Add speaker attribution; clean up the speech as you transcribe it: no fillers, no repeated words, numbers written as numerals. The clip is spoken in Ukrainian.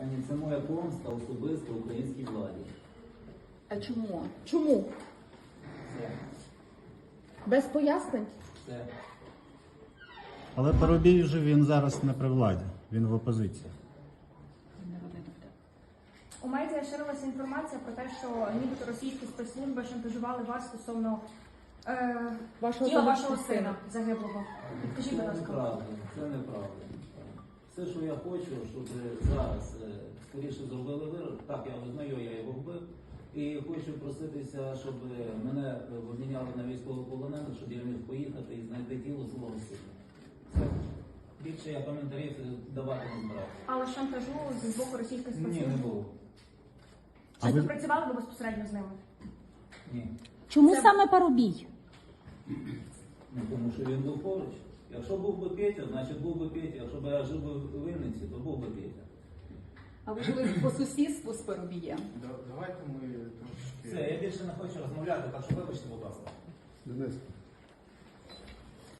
Speaker 1: Пані, це моя помста особисто українській владі.
Speaker 2: А чому? Чому?
Speaker 1: Все.
Speaker 2: Без пояснень?
Speaker 1: Все.
Speaker 3: Але Парубій вже він зараз не при владі, він в опозиції.
Speaker 4: У медіа ширилася інформація про те, що нібито російські спецслужби шантажували вас стосовно тіла вашого сина загиблого. Скажіть, будь
Speaker 1: Це
Speaker 4: ласка.
Speaker 1: неправда. Це неправда. Все, що я хочу, щоб зараз скоріше зробили вирок. Так, я визнаю, я його вбив. І хочу проситися, щоб мене обміняли на військовополонених, щоб я міг поїхати і знайти тіло свого сина. Все. Більше я коментарів давати не збираюся.
Speaker 4: Але шантажу з боку російських
Speaker 1: Ні, не
Speaker 4: спецслужб?
Speaker 1: було.
Speaker 3: А
Speaker 4: Чи
Speaker 3: ви-
Speaker 4: співпрацювали ви безпосередньо з ними?
Speaker 1: Ні.
Speaker 5: Чому
Speaker 4: Це-
Speaker 5: саме Парубій?
Speaker 1: Ну, тому що він був поруч. Якщо був би Петя, значить був би Петя. Якщо б я жив би в Вінниці, то був би Петя.
Speaker 2: А ви жили по сусідству з Парубієм?
Speaker 6: Давайте ми трошки...
Speaker 1: Все, я більше не хочу розмовляти, так що вибачте, будь ласка.
Speaker 6: Денис,